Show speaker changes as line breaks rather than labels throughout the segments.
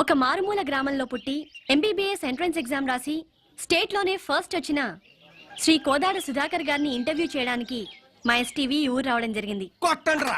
ఒక మారుమూల గ్రామంలో పుట్టి ఎంబీబీఎస్ ఎంట్రన్స్ ఎగ్జామ్ రాసి స్టేట్లోనే ఫస్ట్ వచ్చిన శ్రీ కోదాడ సుధాకర్ గారిని ఇంటర్వ్యూ చేయడానికి మా ఎస్టీవీ ఊరు రావడం జరిగింది.
కొట్టండ్రా.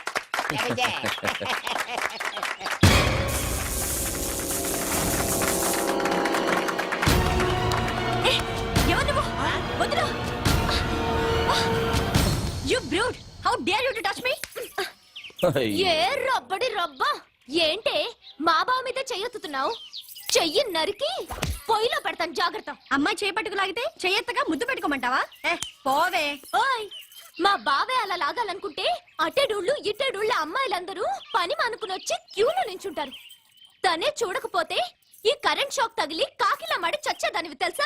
You brute! How dare you to touch me?
ఏ రబ్బడి రబ్బా ఏంటే మా బావ మీద చెయ్యొత్తుతున్నావు? చెయ్యి నరికి పొయ్యిలో పెడతాను, జాగ్రత్త.
అమ్మాయి చేపట్టుకు లాగితే చెయ్యెత్తగా ముద్దు పెట్టుకోమంటావా? పోవే.
ఓయ్, మా బావే అలా లాగాలనుకుంటే అట్టేడూళ్ళు ఇట్టేడూళ్ళ అమ్మాయిలందరూ పని మానుకుని వచ్చి క్యూలో నించుంటారు. తనే చూడకపోతే ఈ కరెంట్ షాక్ తగిలి కాకిలా మడి చచ్చేదానివి తెలుసా?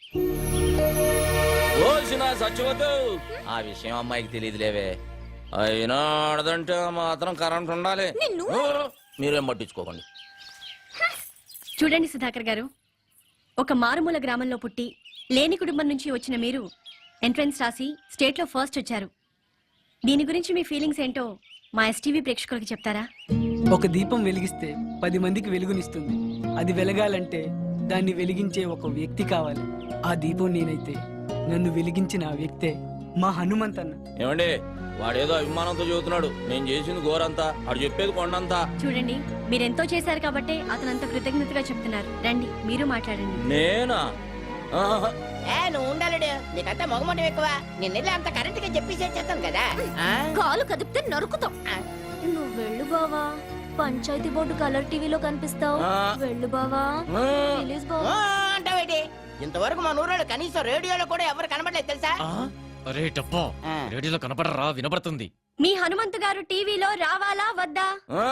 ఆ విషయం అమ్మాయికి తెలియదులేవే. అయినా ఆడదంటే మాత్రం కరెంట్ ఉండాలి. మీరేం పట్టించుకోకండి.
చూడండి సుధాకర్ గారు, ఒక మారుమూల గ్రామంలో పుట్టి లేని కుటుంబం నుంచి వచ్చిన మీరు ఎంట్రన్స్ రాసి స్టేట్లో ఫస్ట్ వచ్చారు. దీని గురించి మీ ఫీలింగ్స్ ఏంటో మా ఎస్టీవీ ప్రేక్షకులకి చెప్తారా?
ఒక దీపం వెలిగిస్తే 10 మందికి వెలుగునిస్తుంది. అది వెలగాలంటే దాన్ని వెలిగించే ఒక వ్యక్తి కావాలి. ఆ దీపం నేనైతే నన్ను వెలిగించిన ఆ వ్యక్తే మా హనుమంతన్న.
ఏమండి, వాడేదో అభిమానంతో చెబుతున్నాడు. నేను చేసింది ఘోరంతా, వాడు చెప్పేది కొండంతా.
చూడండి, మీరెంతో చేశారు కాబట్టి అతను అంత కృతజ్ఞతగా చెప్తున్నారు. రండి మీరు మాట్లాడండి.
నేనా?
నువ్వు ఉండాలడు, నీకంతా మొగమటం ఎక్కువ. నిన్నెళ్ళి అంత కరెంట్ గా చెప్పేసేస్తాను కదా.
కాలు కదిపితే నరుకుతాం. నువ్వు వెళ్ళు బావా, పంచాయతీ బోర్డు కలర్ టీవీలో కనిపిస్తావు. వెళ్ళు బావా, ప్లీజ్ బావా.
అంటావేటి? ఇంతవరకు మా ఊరోళ్ళు కనీసం రేడియోలో కూడా ఎవరు కనబడలేదు తెలుసా?
అరే డబ్బా, రేడియోలో కనపడరా, వినపడుతుంది.
మీ హనుమంతు గారు టీవీలో రావాలా వద్దా?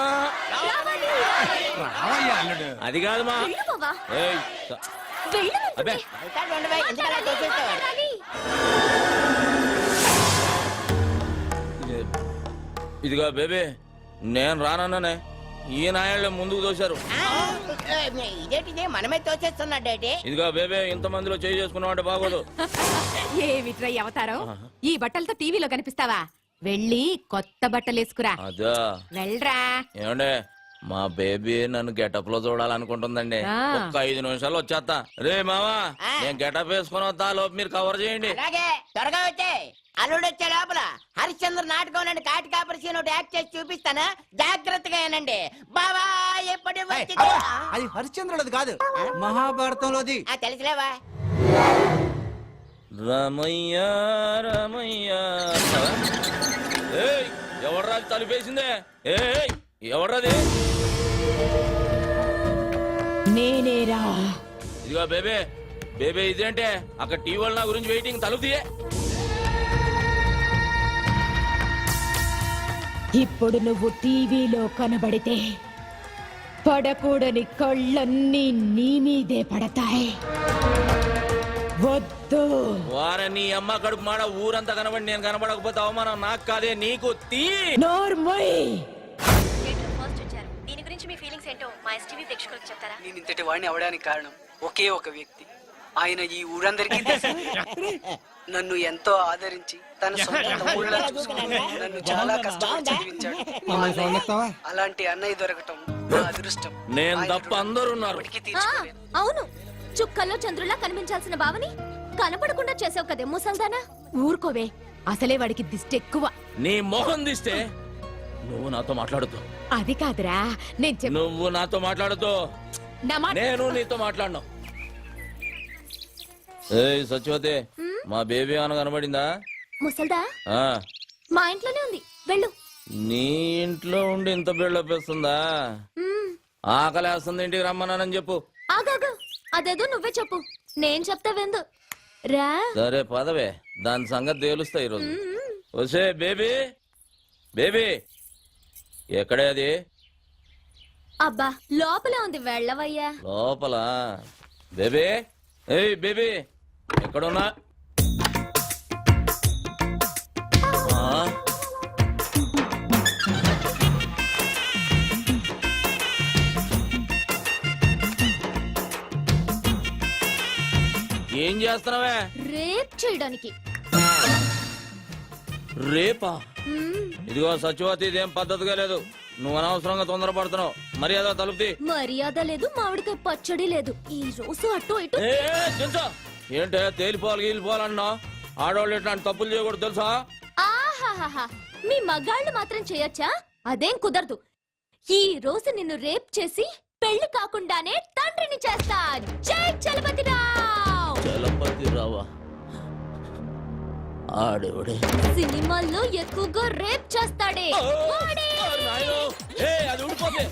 రావయ్యా అల్లుడు.
అది కాదు మా.
వెళ్ళు బావా,
ఏయ్,
వెళ్ళు.
అబ్బే.
వెళ్తాడు ఉండవా, ఎందుకలా చేసేస్తావు?
ఇదిగో బేబీ, నేను రానన్నానే. ఈ నాయాళ్ళే ముందుకు తోశారు.
ఇదేంటిది మనమే తోచేస్తున్నాడేటి?
ఇదిగో బేబీ, ఇంత మందిలో చేయి చేసుకున్నామంటే బాగోదు.
ఏమిట్రై అవతారం? ఈ బట్టలతో టీవీలో కనిపిస్తావా? వెళ్ళి కొత్త బట్టలేసుకురా.
అదా,
వెళ్ళరా.
ఏమండే, మా బేబీ నన్ను గెటప్ లో చూడాలనుకుంటుందండి. ఒక్క 5 నిమిషాలు వచ్చేస్తా. రే మావా, నేను గెటప్ వేసుకుని వస్తా, లోపు మీరు కవర్ చేయండి.
అలాగే, త్వరగా వచ్చే. అల్లుడు వచ్చే లోపల హరిశ్చంద్ర నాటకం నుండి కాటి కాపరి సీన్ ఒకటి యాక్ట్ చేసి చూపిస్తాను, జాగ్రత్తగా ఏనండి. బావా ఎప్పటి
అది హరిశ్చంద్రులది కాదు, మహాభారతంలోది.
తెలుసులేవా?
రమయ్య రమయ్య. ఏయ్, ఎవడ్రాది తలుపేసిందే? ఏయ్, ఎవడ్రాది?
నేనేరా.
ఇదిగో బేబీ, బేబీ ఇదేంటే అక్కడ టీవీ వాళ్ళ నా గురించి వెయిటింగ్. తలుపు తీయే.
ఇప్పుడు నువ్వు టీవీలో కనబడితే పడకూడని కళ్ళన్నీ నీ మీదే పడతాయి. వద్దు.
వార నీ అమ్మ కడుపు మాడ, ఊరంతా కనబడి నేను కనబడకపోతే అవమానం నాకు కాదే నీకు. తీ
నోర్మోయ్.
స్టేట్లో ఫస్ట్ వచ్చారు. దీని గురించి మీ ఫీలింగ్స్ ఏంటో మా ఎస్టీవీ ప్రేక్షకులకి చెప్తారా?
నేను ఇంతటి వాడిని అవడానికి కారణం ఒకే ఒక వ్యక్తి. ఆయన ఈ ఊరందరికీ తెలుసు. నన్ను ఎంతో ఆదరించి తన సొంత తమ్ముళ్ళ చూసుకుని నన్ను చాలా కష్టపడి చదివించాడు. అలాంటి అన్నయ్య దొరకటం నా అదృష్టం.
నేను తప్ప అందరూ ఉన్నారు.
అవును, చుక్కల్లో చంద్రులా కనిపించాల్సిన బావని కనపడకుండా చేసావు కదే ముసల్దానా.
ఊరుకోవే, అసలే వాడికి దిష్టి ఎక్కువ.
నీ మొహం తీస్తే నువ్వు నాతో మాట్లాడుతూ.
అది కాదురా, నేను
నువ్వు నాతో మాట్లాడుతూ, నేను నీతో మాట్లాడను. ఏయ్ సత్యవతి, మా బేబీ ఏమైనా కనబడిందా?
ముసల్దా
ఆ,
మా ఇంట్లోనే ఉంది, వెళ్ళు.
నీ ఇంట్లో ఉండి ఇంత బిల్డప్ వేస్తుందా? ఆకలేస్తుంది, ఇంటికి రమ్మన్నానని చెప్పు.
ఆగాగు, అదేదో నువ్వే చెప్పు, నేను చెప్తా వెందు రా.
సరే పదవే, దాని సంగతి తేలుస్తా ఈరోజు. వసే బేబీ, బేబీ ఎక్కడే అది?
అబ్బా లోపలే ఉంది, వెళ్ళవయ్యా.
లోపల? బేబీ, ఏయ్ బేబీ, ఎక్కడున్నా? ఏం చేస్తున్నావే?
రేప్ చేయడానికి.
రేపా? ఇదిగో సత్యవతి, ఇదేం పద్ధతిగా లేదు. నువ్వు అనవసరంగా తొందరపడుతున్నావు. మర్యాద తలుపుతి.
మర్యాద లేదు, మామిడికాయ పచ్చడి లేదు. ఈ రోజు అటు ఇటు
ఏంటే తేలిపోవాలి గీలిపోవాలన్నా? ఆడవాళ్ళు ఇట్లాంటి తప్పులు చేయకూడదు తెలుసా?
ఆహాహాహా. మీ మగాళ్ళు మాత్రం చేయొచ్చా? అదేం కుదరదు. ఈ రోజు నిన్ను రేప్ చేసి పెళ్లి కాకుండానే తండ్రిని చేస్తా. జై చలపతిరావ్.
చలపతి రావా? ఆడేవాడే
సినిమాల్లో ఎక్కువగా రేప్ చేస్తాడే వాడే.
అది ఊడిపోతే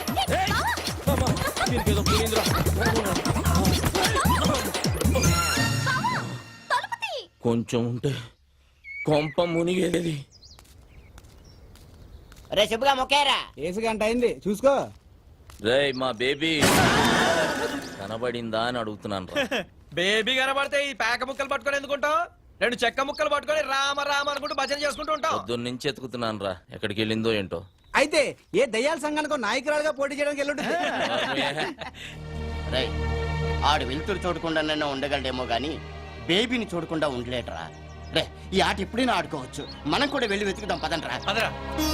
దీనికేదో పోయిందిరా.
తలుపుతీ.
కొంచెం ఉంటే కొంప మునిగేది.
రే శుభ్గా మొక్కేరా.
ఏసు గంట అయింది చూసుకో.
రేయ్ మా బేబీ కనబడిందా అని అడుగుతున్నాను రా.
బేబీ కనబడితే ఈ పేక ముక్కలు పట్టుకొని ఎందుకుంటావు? రెండు చెక్క ముక్కలు పట్టుకొని రామ రామ అనుకుంటూ భజన చేసుకుంటూ ఉంటావు.
పొద్దున్న నుంచి ఎత్తుకుతున్నాను రా, ఎక్కడికి వెళ్ళిందో ఏంటో.
అయితే ఏ దయ్యాల సంఘానికి నాయకురాలుగా పోటీ చేయడానికి వెళ్ళుంటుంది.
రేయ్ ఆడు వెళ్తురు చూడకుండా ఉండగలడేమో గాని బేబీని చూడకుండా ఉండలేటరా. రే ఈ ఆట ఎప్పుడైనా ఆడుకోవచ్చు. మనం కూడా వెళ్ళి వెతుకుదాం పదండ్రా.
పదరా.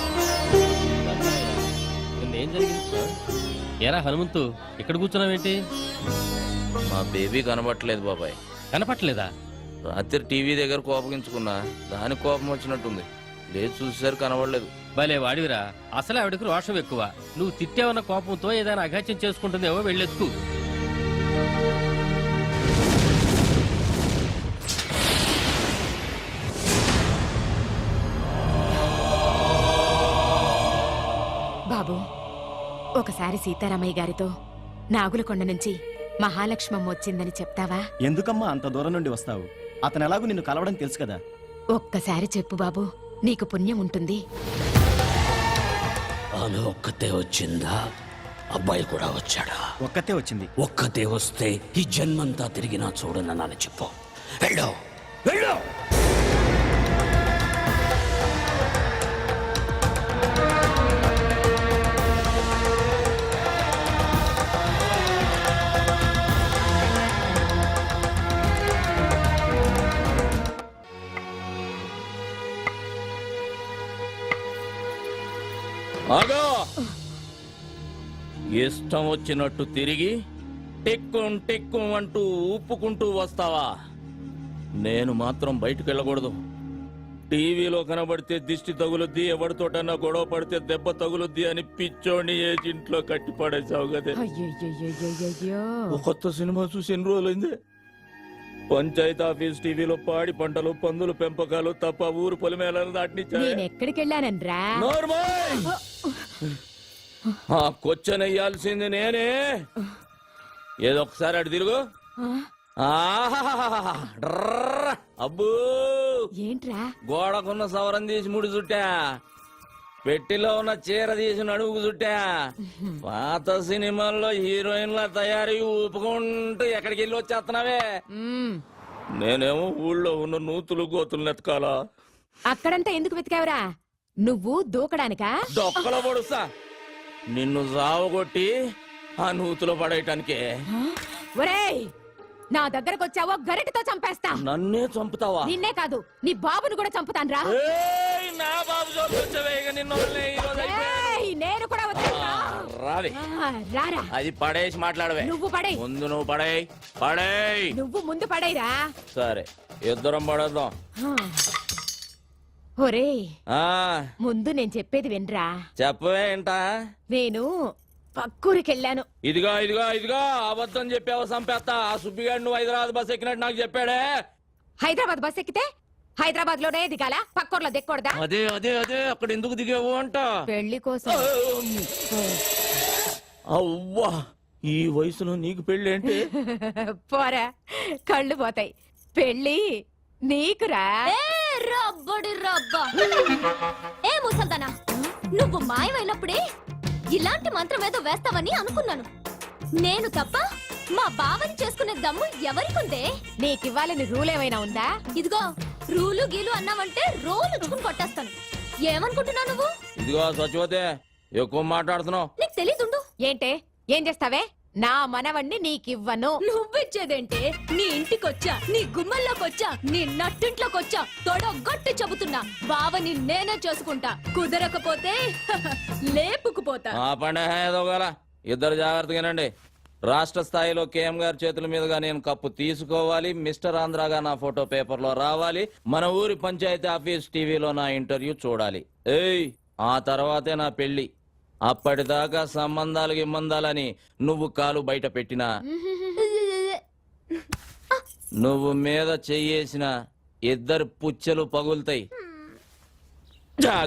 ఏం జరిగింది? ఏరా హనుమంతు ఇక్కడ కూర్చున్నావేంటి?
మా బేబీ కనబట్టలేదు బాబాయ్.
కనపట్లేదా?
రాత్రి టీవీ దగ్గర కోపగించుకున్నా, దానికి కోపం వచ్చినట్టుంది. లేదు చూసేసరికి కనబడలేదు.
భలే వాడివిరా. అసలే ఆవిడకు రోషం ఎక్కువ. నువ్వు తిట్టేవన్న కోపంతో ఏదైనా అఘాత్యం చేసుకుంటుందేమో వెళ్ళెత్తుకు.
బాబు, ఒకసారి సీతారామయ్య గారితో నాగులకొండ నుంచి మహాలక్ష్మమ్మ వచ్చిందని చెప్తావా?
ఎందుకమ్మా అంత దూరం నుండి వస్తావు? అతను ఎలాగూ నిన్ను కలవడం తెలుసు కదా.
ఒక్కసారి చెప్పు బాబు, నీకు పుణ్యం ఉంటుంది.
ఆమె ఒక్కతే వచ్చిందా? అబ్బాయి కూడా వచ్చాడా?
ఒక్కతే వచ్చింది.
ఒక్కతే వస్తే ఈ జన్మంతా తిరిగినా చూడనని చెప్పు. వెళ్ళు వెళ్ళు.
ఆగా! ఇష్టం వచ్చినట్టు తిరిగి టిక్కుం టిక్కుం అంటూ ఊపుకుంటూ వస్తావా? నేను మాత్రం బయటకు వెళ్ళకూడదు. టీవీలో కనబడితే దిష్టి తగులుద్ది, ఎవరితోటన్నా గొడవ పడితే దెబ్బ తగులుద్ది అని పిచ్చోడిని ఏజింట్లో కట్టి పడేసావు కదే.
అయ్యయ్యయ్యయ్యయ్యో.
ఓ కొత్త సినిమా చూసి ఎన్ని రోజులైంది? పంచాయతీ ఆఫీస్ టీవీలో పాడి పంటలు, పందులు పెంపకాలు తప్ప ఊరు పొలిమేళలు దాటినిచ్చా.
నేనెక్కడికెళ్ళానన్రా?
నోర్మోయ్! ఆ కొచ్చనెయ్యాల్సింది నేనే. ఏదో ఒకసారి అటు తిరుగు. ఆహాహాహా! డ్రర్ర! అబ్బో
ఏంట్రా?
గోడకున్న సవరం తీసి ముడి చుట్టా, పెట్టిలో ఉన్న చీర తీసి నడుముకు చుట్టా. పాత సినిమాల్లో హీరోయిన్ల తయారీ ఊపుకుంటూ ఎక్కడికి వెళ్ళి వచ్చేస్తున్నావే. నేనేమో ఊళ్ళో ఉన్న నూతులు గోతులు నెతకాలా?
అక్కడంతా ఎందుకు వెతికావురా? నువ్వు దూకడానికా?
దొక్కలో పొడుస్తా నిన్ను సావగొట్టి ఆ నూతులో పడేయటానికే.
ఒరేయ్, నా దగ్గరకు వచ్చావో గరిటతో చంపేస్తా.
నన్నే చంపుతావా?
నిన్నే కాదు, నీ బాబును కూడా చంపుతాన్రా.
ఏయ్, నా బాబు చూపించవే, ఇక నిన్ను వదిలేయ్, ఈ రోజు అయిపోయాను.
ఏయ్, నేను కూడా వద్దా?
రావే.
రారా.
అది పడేసి మాట్లాడవే.
నువ్వు పడేయ్.
ముందు నువ్వు పడేయ్. పడేయ్.
నువ్వు ముందు పడేరా.
సరే, ఇద్దరం పడేద్దాం.
ఒరేయ్,
ఆ
ముందు నేను చెప్పేది వినరా.
చెప్పవే ఏంటా?
నేను పక్కూరికెళ్ళాను.
ఇదిగో ఇదిగో ఇదిగో అబద్ధం చెప్పావో చంపేస్తా. ఆ సుబ్బిగాడు నువ్వు హైదరాబాద్ బస్ ఎక్కినట్టు నాకు చెప్పాడే.
హైదరాబాద్ బస్ ఎక్కితే హైదరాబాద్ లోనే దిగాల, పక్కూర్లో దిక్కకూడదా?
అదే అదే అదే అక్కడ ఎందుకు దిగావు అంట.
పెళ్లి కోసం.
అవ్వా, ఈ వయసులో నీకు పెళ్లి ఏంటి?
పోరా, కళ్ళు పోతాయి. పెళ్లి నీకురా.
ఏ రబ్బడి రబ్బా. ఏ ముసల్దానా, నువ్వు మాయమైనప్పుడే ఇలాంటి మంత్రం ఏదో వేస్తావని అనుకున్నాను. నేను తప్ప మా బావని చేసుకునే దమ్ము ఎవరికుందే?
నీకివ్వాలని రూల్ ఏమైనా ఉందా?
ఇదిగో రూలు గీలు అన్నావంటే రోలు ఉచ్చుకుని కొట్టేస్తాను. ఏమనుకుంటున్నావు నువ్వు?
ఇదిగో సచివతే, ఎక్కువ మాట్లాడుతున్నావు.
నీకు తెలీదుండు.
ఏంటే, ఏం చేస్తావే? నా మనవణ్ణి నీకివ్వను.
నువ్విచ్చేదేంటే? నీ ఇంటికొచ్చా, నీ గుమ్మల్లోకొచ్చా, నీ నట్టింట్లోకొచ్చా తొడగొట్టి చెబుతున్నా, బావని నేనే చేసుకుంటా. కుదరకపోతే లేపుకుపోతా.
ఆ పండే ఏదోగల ఇద్దరు జాగ్రత్తగానండి. రాష్ట్ర స్థాయిలో కేఎం గారి చేతుల మీదుగా నేను కప్పు తీసుకోవాలి. మిస్టర్ ఆంధ్రాగా నా ఫోటో పేపర్లో రావాలి. మన ఊరి పంచాయతీ ఆఫీస్ టీవీలో నా ఇంటర్వ్యూ చూడాలి. ఏయ్, ఆ తర్వాతే నా పెళ్లి. అప్పటిదాకా సంబంధాలు గిమ్మందాలని నువ్వు కాలు బయట పెట్టినా, నువ్వు మీద చెయ్యేసిన ఇద్దరు పుచ్చెలు పగులుతాయి.